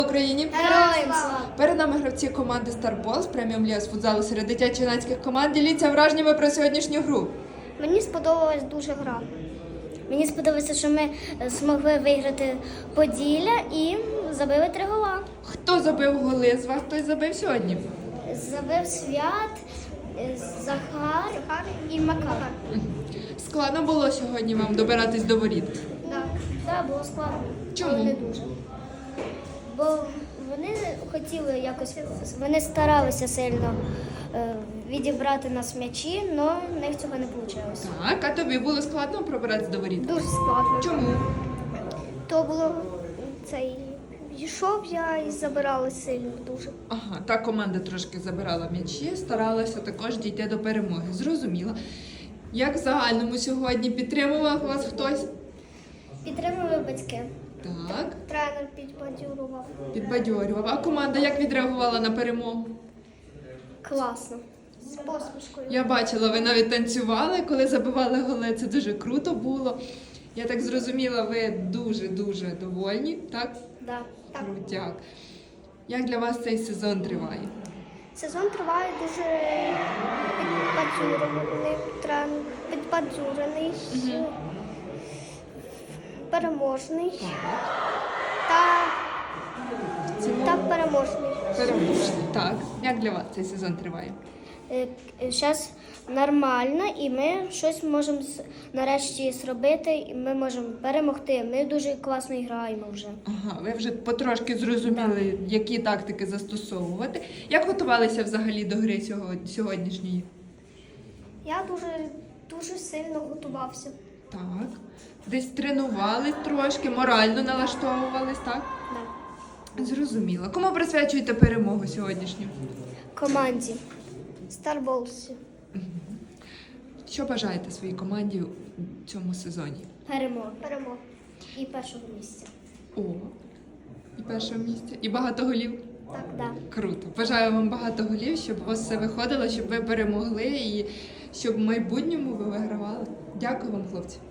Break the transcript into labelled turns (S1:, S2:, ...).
S1: Україні!
S2: Героям слава!
S1: Перед нами гравці команди Старбол з преміум ліга з футзалу серед дитячо-юнацьких команд. Діліться враженнями про сьогоднішню гру.
S2: Мені сподобалась дуже гра. Мені сподобалося, що ми змогли виграти Поділля і забили 3 гола.
S1: Хто забив голи з вас? Хтось забив сьогодні?
S2: Забив Свят, Захар і Макар.
S1: Складно було сьогодні вам добиратись до воріт.
S2: Так, було складно.
S1: Чому?
S2: Але не дуже. Бо вони хотіли якось, вони старалися сильно відібрати нас м'ячі, але в них цього не вийшло.
S1: Так, а тобі було складно пробиратись до воріт?
S2: Дуже складно.
S1: Чому?
S2: То було цей. Йшов я і забирала сильно дуже.
S1: Ага, та команда трошки забирала м'ячі, старалася також дійти до перемоги. Зрозуміла. Як в загальному сьогодні підтримував вас хтось?
S2: Підтримували батьки.
S1: Так,
S2: Тренер підбадьорував.
S1: підбадьорював. А команда як відреагувала на перемогу?
S2: Класно. З посмішкою.
S1: Я бачила, ви навіть танцювали, коли забивали голи. Це дуже круто було. Я так зрозуміла, ви дуже-дуже довольні, так?
S2: Да. Так.
S1: Крутяк. Як для вас цей сезон триває?
S2: Сезон триває дуже підбадьорений, підбадьорений, переможний та переможний.
S1: Переможний. Так. Як для вас цей сезон триває?
S2: Зараз нормально, і ми щось можемо нарешті зробити, і ми можемо перемогти. Ми дуже класно граємо вже.
S1: Ага, ви вже потрошки зрозуміли, які тактики застосовувати. Як готувалися взагалі до гри сьогоднішньої?
S2: Я дуже сильно готувався.
S1: Так. Десь тренувались трошки, морально налаштовувались, так?
S2: Да.
S1: Зрозуміло. Кому присвячуєте перемогу сьогоднішню?
S2: Команді Старболсі.
S1: Що бажаєте своїй команді у цьому сезоні?
S2: Перемог. І першого місця.
S1: О, і першого місця, і багато голів?
S2: Так, да.
S1: Круто. Бажаю вам багато голів, щоб у вас все виходило, щоб ви перемогли і щоб в майбутньому ви вигравали. Дякую вам, хлопці.